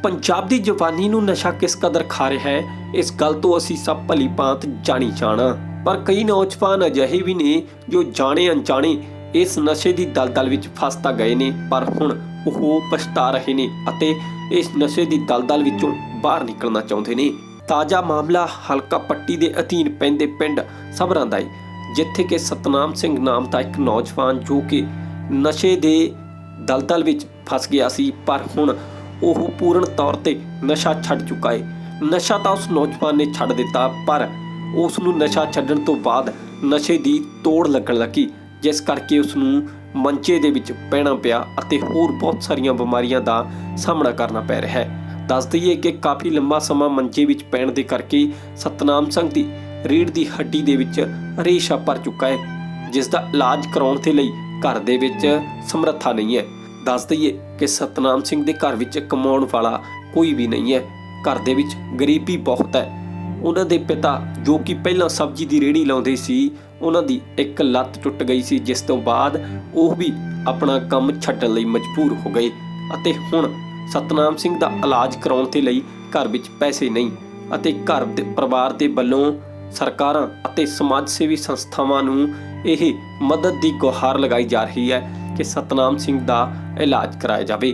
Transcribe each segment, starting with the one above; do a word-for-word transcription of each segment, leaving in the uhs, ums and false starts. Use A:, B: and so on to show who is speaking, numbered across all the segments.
A: पंजाब दी जवानी नूं नशा किस कदर खा रहा है, इस गल तो असीं सब भली भांत जाणी जाणा। पर कई नौजवान अजिहे भी ने जो जाणे अनजाणे इस नशे की दलदल विच फस तां गए ने, पर हुण ओह पछता रहे ने अते इस नशे की दलदल विचों बाहर निकलना चाहुंदे ने। ताज़ा मामला हलका पट्टी के अधीन पैंदे पिंड सबरां दा है, जिथे कि सतनाम सिंह नाम का एक नौजवान जो कि नशे के दलदल विच फस गया सी, पर हुण ओह पूर्ण तौर पर नशा छड्ड चुका है। नशा तो उस नौजवान ने छड्ड दिता, पर उसनूं नशा छड्डण तो बाद नशे की तोड़ लगन लगी, जिस करके उसनूं मंचे दे विच पैना पिया अते होर बहुत सारियां बीमारियां दा सामना करना पै रहा है। दस दईए कि काफ़ी लंबा समा मंचे विच पैण दे करके सतनाम सिंह दी रीढ़ की हड्डी दे विच रेशा भर चुका है, जिस दा इलाज कराउण दे लई घर दे विच समर्था नहीं है। दस दईए कि सतनाम सिंह दे घर विच कमाउण वाला कोई भी नहीं है, घर दे विच गरीबी बहुत है। उन्हां दे पिता जो कि पहलां सब्जी की रेहड़ी लाउंदे सी, उन्हां दी एक लत्त टुट गई सी, जिस तो बाद ओह भी अपना काम छड्डण लई मजबूर हो गए अते हुण सतनाम सिंह दा इलाज कराउण दे लई घर विच पैसे नहीं अते घर दे परिवार दे वल्लों सरकारां अते समाज सेवी संस्थावां नूं ਇਹ मदद की गुहार लगाई जा रही है कि सतनाम सिंह का इलाज कराया जाए।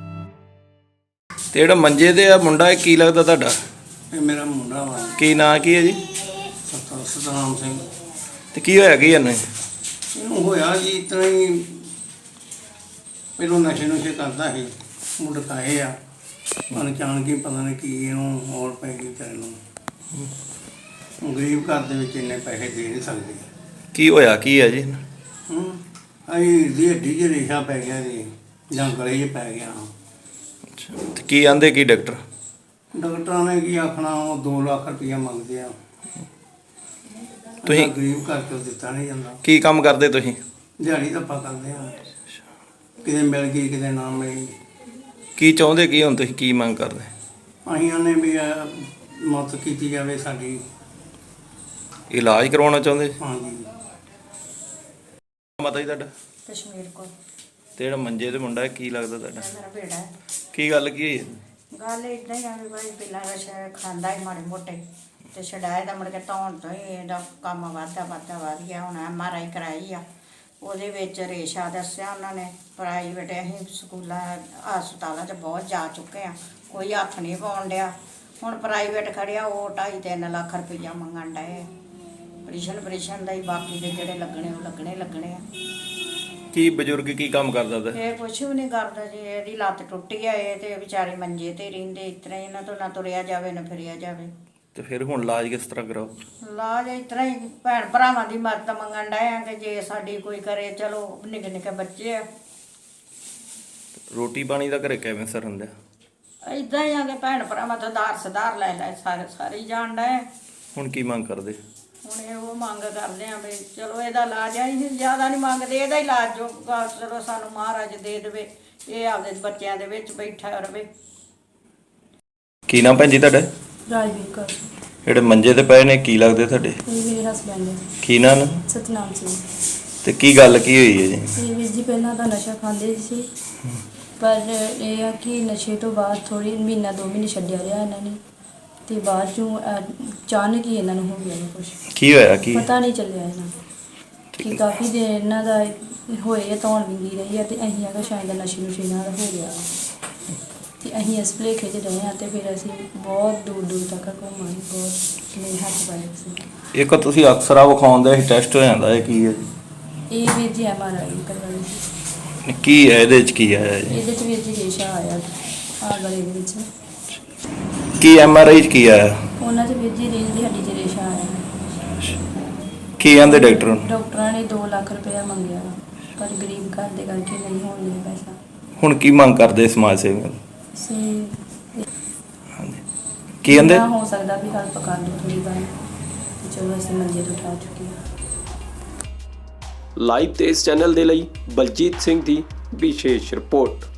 B: ਤੇ ਜਿਹੜਾ ਮੰਜੇ ਤੇ ਆ ਮੁੰਡਾ ਇਹ ਕੀ ਲੱਗਦਾ ਤੁਹਾਡਾ?
C: ਇਹ ਮੇਰਾ ਮੁੰਡਾ ਵਾ
B: ਕੀ ਨਾਂ ਕੀ ਹੈ ਜੀ?
C: ਸਤ- ਸਤਨਾਮ ਸਿੰਘ।
B: ਤੇ ਕੀ ਹੋਇਆ ਕੀ ਇਹਨੂੰ?
C: ਇਹਨੂੰ ਹੋਇਆ ਜੀ ਇਤਨਾ ਹੀ, ਪਹਿਲੋਂ ਨਸ਼ੇ ਨੁਸ਼ੇ ਕਰਦਾ ਸੀ, ਮੁੰਡਕਾਏ ਆ ਅਣਜਾਣ ਕੇ ਪਤਾ ਨਹੀਂ ਕੀ ਇਹਨੂੰ ਹੋਰ ਪੈ ਗਈ ਵਿਚਾਰੇ ਨੂੰ। ਗਰੀਬ ਘਰ ਦੇ ਵਿੱਚ ਇੰਨੇ ਪੈਸੇ ਦੇ ਨਹੀਂ ਸਕਦੇ।
B: ਕੀ ਹੋਇਆ ਕੀ ਹੈ ਜੀ?
C: ਹੂੰ ਅਸੀਂ ਦੀ ਹੱਡੀ 'ਚ ਰੇਸ਼ਾ ਪੈ ਗਿਆ ਜੀ, ਜਾਂ ਗਲੇ 'ਚ ਪੈ ਗਿਆ।
B: ਅੱਛਾ, ਤੇ ਕੀ ਆਂਦੇ ਕੀ ਡਾਕਟਰ?
C: ਡਾਕਟਰਾਂ ਨੇ ਕੀ ਆਖਣਾ, ਉਹ ਦੋ ਲੱਖ ਰੁਪਈਆ ਮੰਗਦੇ ਆ।
B: ਤੁਸੀਂ
C: ਗਰੀਬ ਘਰ ਤੋਂ ਦਿੱਤਾ ਨਹੀਂ ਜਾਂਦਾ।
B: ਕੀ ਕੰਮ ਕਰਦੇ ਤੁਸੀਂ?
C: ਦਿਹਾੜੀ ਧੱਪਾ ਕਰਦੇ ਆ, ਕਿਤੇ ਮਿਲ ਗਈ ਕਿਤੇ ਨਾ ਮਿਲੀ।
B: ਕੀ ਚਾਹੁੰਦੇ ਕੀ ਹੁਣ ਤੁਸੀਂ, ਕੀ ਮੰਗ ਕਰਦੇ?
C: ਅਸੀਂ ਉਹਨੇ ਵੀ ਇਹ ਮਦਦ ਕੀਤੀ ਜਾਵੇ ਸਾਡੀ।
B: ਇਲਾਜ ਕਰਵਾਉਣਾ ਚਾਹੁੰਦੇ?
C: ਹਾਂਜੀ।
B: ਮਤਾ ਜੀ ਤੁਹਾਡਾ?
D: ਕਸ਼ਮੀਰ ਕੋਲ
B: ਤੇ ਜਿਹੜਾ ਮੰਜੇ ਤੇ ਮੁੰਡਾ ਇਹ ਕੀ ਲੱਗਦਾ ਤੁਹਾਡਾ?
D: ਮੇਰਾ ਬੇੜਾ ਹੈ।
B: ਕੀ ਗੱਲ ਕੀ ਹੋਈ?
D: ਗੱਲ ਇੱਦਾਂ ਹੀ ਆ ਵੀ ਭਾਈ ਪਹਿਲਾਂ ਨਸ਼ਾ ਖਾਂਦਾ ਹੀ ਮਾੜੇ ਮੋਟੇ, ਤੇ ਛਡਾਏ ਦਾ ਮੁੜ ਕੇ ਧੌਣ ਤੋਂ ਹੀ ਇਹਦਾ ਕੰਮ ਵੱਧਦਾ ਵੱਧਦਾ ਵੱਧ ਗਿਆ। ਹੁਣ ਐਮ ਆਰ ਆਈ ਕਰਾਈ ਆ, ਉਹਦੇ ਵਿੱਚ ਰੇਸ਼ਾ ਦੱਸਿਆ ਉਹਨਾਂ ਨੇ। ਪ੍ਰਾਈਵੇਟ ਅਸੀਂ ਸਕੂਲਾਂ ਹਸਪਤਾਲਾਂ 'ਚ ਬਹੁਤ ਜਾ ਚੁੱਕੇ ਆ, ਕੋਈ ਹੱਥ ਨਹੀਂ ਪਾਉਣ ਡਿਆ। ਹੁਣ ਪ੍ਰਾਈਵੇਟ ਖੜਿਆ, ਉਹ ਢਾਈ ਤਿੰਨ ਲੱਖ ਰੁਪਈਆ ਮੰਗਣ ਡਏ। ਆਪਰੇਸ਼ਨ ਆਪਰੇਸ਼ਨ ਦਾ ਹੀ, ਬਾਕੀ ਦੇ ਜਿਹੜੇ ਲੱਗਣੇ ਉਹ ਲੱਗਣੇ ਲੱਗਣੇ ਆ।
B: ਕੀ ਬਜ਼ੁਰਗ ਕੀ ਕੰਮ ਕਰਦਾ ਤਾ?
D: ਇਹ ਕੁਛ ਵੀ ਨਹੀਂ ਕਰਦਾ ਜੀ, ਇਹਦੀ ਲੱਤ ਟੁੱਟੀ ਆ, ਇਹ ਤੇ ਵਿਚਾਰੇ ਮੰਜੇ ਤੇ ਰਹਿੰਦੇ। ਇਸ ਤਰ੍ਹਾਂ ਹੀ ਇਹਨਾਂ ਤੋਂ ਨਾ ਤੁਰਿਆ ਜਾਵੇ ਨਾ ਫਿਰਿਆ ਜਾਵੇ।
B: ਤੇ ਫਿਰ ਹੁਣ ਇਲਾਜ ਕਿਸ ਤਰ੍ਹਾਂ ਕਰਾਓ?
D: ਇਲਾਜ ਇਸ ਤਰ੍ਹਾਂ ਹੀ ਭੈਣ ਭਰਾਵਾਂ ਦੀ ਮਦਦ ਮੰਗਣ ਡਏ ਆ ਕਿ ਜੇ ਸਾਡੀ ਕੋਈ ਕਰੇ। ਚਲੋ ਨਿੱਕੇ ਨਿੱਕੇ ਬੱਚੇ ਆ,
B: ਰੋਟੀ ਪਾਣੀ ਦਾ ਘਰੇ ਕਿਵੇਂ ਸਰ ਹੁੰਦਾ?
D: ਏਦਾਂ ਹੀ ਆ ਕਿ ਭੈਣ ਭਰਾਵਾਂ ਤੋਂ ਦਾਰ ਸਦਾਰ ਲੈ ਲੈ ਸਾਰੇ ਸਾਰੇ ਹੀ ਜਾਣ ਡਏ।
B: ਹੁਣ ਕੀ ਮੰਗ ਕਰਦੇ?
D: ਹੁਣ ਇਹ ਉਹ ਮੰਗ ਕਰਦੇ ਆ ਵੀ ਚਲੋ ਇਹਦਾ ਇਲਾਜ ਆ, ਅਸੀਂ ਜ਼ਿਆਦਾ ਨਹੀਂ ਮੰਗਦੇ, ਇਹਦਾ ਇਲਾਜ ਜੋ ਚਲੋ ਸਾਨੂੰ ਮਹਾਰਾਜ ਦੇ ਦੇਵੇ, ਇਹ ਆਪਦੇ ਬੱਚਿਆਂ ਦੇ ਵਿੱਚ ਬੈਠਾ ਰਵੇ।
B: ਕੀ ਨਾਮ ਭੈਣ ਜੀ ਤੁਹਾਡਾ?
E: ਰਾਜਵੀਰ ਕੌਰ।
B: ਜਿਹੜੇ ਮੰਜੇ ਤੇ ਪਏ ਨੇ ਕੀ ਲੱਗਦੇ ਤੁਹਾਡੇ?
E: ਇਹ ਮੇਰੇ ਹਸਬੈਂਡ ਨੇ,
B: ਕੀ ਨਾਂ ਨੇ?
E: ਸਤਨਾਮ ਸਿੰਘ।
B: ਤੇ ਕੀ ਗੱਲ ਕੀ ਹੋਈ ਹੈ ਜੀ?
E: ਇਹ ਵੀਰ ਜੀ ਪਹਿਲਾਂ ਤਾਂ ਨਸ਼ਾ ਖਾਂਦੇ ਸੀ, ਪਰ ਇਹ ਆ ਕਿ ਨਸ਼ੇ ਤੋਂ ਬਾਅਦ ਥੋੜ੍ਹੀ ਮਹੀਨਾ ਦੋ ਮਹੀਨੇ ਛੱਡਿਆ ਰਿਹਾ ਇਹਨਾਂ ਨੇ, ਤੇ ਬਾਅਦ 'ਚੋਂ ਅਚਾਨਕ ਹੀ ਇਹਨਾਂ ਨੂੰ ਹੋ ਗਿਆ ਕੁਛ,
B: ਕੀ ਹੋਇਆ ਕੀ?
E: ਪਤਾ ਨਹੀਂ ਚੱਲਿਆ ਇਹਨਾਂ ਨੂੰ ਕਿ ਕਾਫੀ ਦਿਨ ਇਹਨਾਂ ਦਾ ਹੋਏ ਆ, ਧੌਣ ਵਿੰਗੀ ਰਹੀ ਆ, ਤੇ ਅਸੀਂ ਆਖਿਆ ਸ਼ਾਇਦ ਨਸ਼ੇ ਨੁਸ਼ੇ ਨਾਲ ਹੋ ਗਿਆ। ਤੇ ਅਸੀਂ ਇਸ ਭੁਲੇਖੇ 'ਚ ਰਹੇ ਹਾਂ, ਤੇ ਫਿਰ ਅਸੀਂ ਬਹੁਤ ਦੂਰ ਦੂਰ ਤੱਕ ਘੁੰਮਾਂ, ਬਹੁਤ ਮੇਰੇ ਹੱਥ ਪਾਏ ਸੀ।
B: ਇੱਕ ਤੁਸੀਂ ਅਕਸਰਾ ਵਿਖਾਉਂਦੇ ਸੀ ਟੈਸਟ ਹੋ ਜਾਂਦਾ, ਇਹ ਕੀ ਹੈ ਜੀ?
E: ਇਹ ਵੀਰ ਜੀ ਐਮ ਆਰ ਆਈ ਕਰਵਾਈ ਸੀ।
B: ਕੀ ਹੈ ਇਹਦੇ 'ਚ, ਕੀ ਆਇਆ ਜੀ?
E: ਇਹਦੇ 'ਚ ਵੀਰ ਜੀ ਰੇਸ਼ਾ ਆਇਆ ਆ ਗਲੇ ਦੇ ਵਿੱਚ।
B: ਕੀ ਐਮ ਆਰ ਆਈ 'ਚ ਕੀ ਆਇਆ?
E: ਉਹਨਾਂ 'ਚ ਵੀਰ ਜੀ ਰੀੜ੍ਹ ਦੀ ਹੱਡੀ 'ਚ ਰੇਸ਼ਾ ਆਇਆ।
B: ਕੀ ਆਂਦੇ ਡਾਕਟਰ?
E: ਡਾਕਟਰਾਂ ਨੇ ਦੋ ਲੱਖ ਰੁਪਇਆ ਮੰਗਿਆ, ਪਰ ਗਰੀਬ ਘਰ ਦੇ ਕਰਕੇ ਨਹੀਂ ਹੋਣ ਲਿਆ ਪੈਸਾ।
B: ਹੁਣ ਕੀ ਮੰਗ ਕਰਦੇ ਸਮਾਜ ਸੇਵੀਆਂ?
E: ਸੇ
B: ਹਾਂਜੀ, ਕੀ ਕਹਿੰਦੇ?
E: ਹੋ ਸਕਦਾ ਵੀ ਹੈਲਪ ਕਰ ਦਿਓ ਥੋੜ੍ਹੀ ਬਾਈ, ਚਲੋ ਅਸੀਂ ਮੰਜੇ ਤੋਂ ਉਠਾ ਚੁੱਕੇ ਹਾਂ।
A: ਲਾਈਵ ਤੇ ਇਸ ਚੈਨਲ ਦੇ ਲਈ ਬਲਜੀਤ ਸਿੰਘ ਦੀ ਵਿਸ਼ੇਸ਼ ਰਿਪੋਰਟ।